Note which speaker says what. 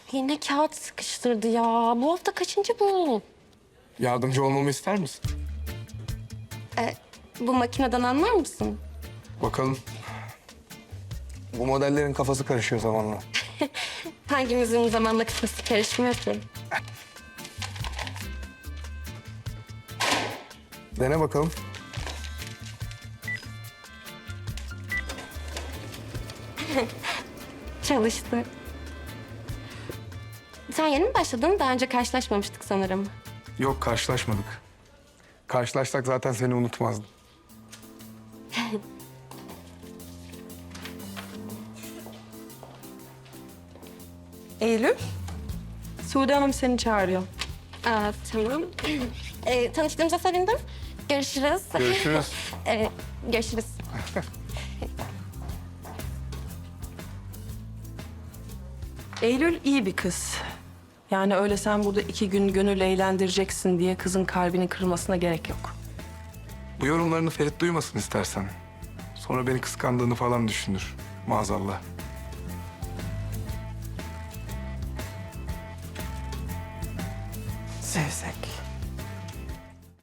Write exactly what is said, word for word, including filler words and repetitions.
Speaker 1: Yine kağıt sıkıştırdı ya. Bu hafta kaçıncı bu?
Speaker 2: Yardımcı olmamı ister misin?
Speaker 1: E, bu makineden anlar mısın?
Speaker 2: Bakalım. Bu modellerin kafası karışıyor zamanla.
Speaker 1: Hangimizin zamanla kafası karışmıyor ki?
Speaker 2: Dene bakalım.
Speaker 1: Çalıştı. Sen yeni mi başladın? Daha önce karşılaşmamıştık sanırım.
Speaker 2: Yok, karşılaşmadık. Karşılaşsak zaten seni unutmazdım.
Speaker 3: Eylül, Sude Hanım seni çağırıyor.
Speaker 1: Aa, tamam. e, tanıştığımıza sevindim. Görüşürüz.
Speaker 2: Görüşürüz.
Speaker 1: e, görüşürüz.
Speaker 3: Eylül iyi bir kız. Yani öyle sen burada iki gün gönül eğlendireceksin diye kızın kalbinin kırılmasına gerek yok.
Speaker 2: Bu yorumlarını Ferit duymasın istersen. Sonra beni kıskandığını falan düşünür. Maazallah.
Speaker 3: Zevzek.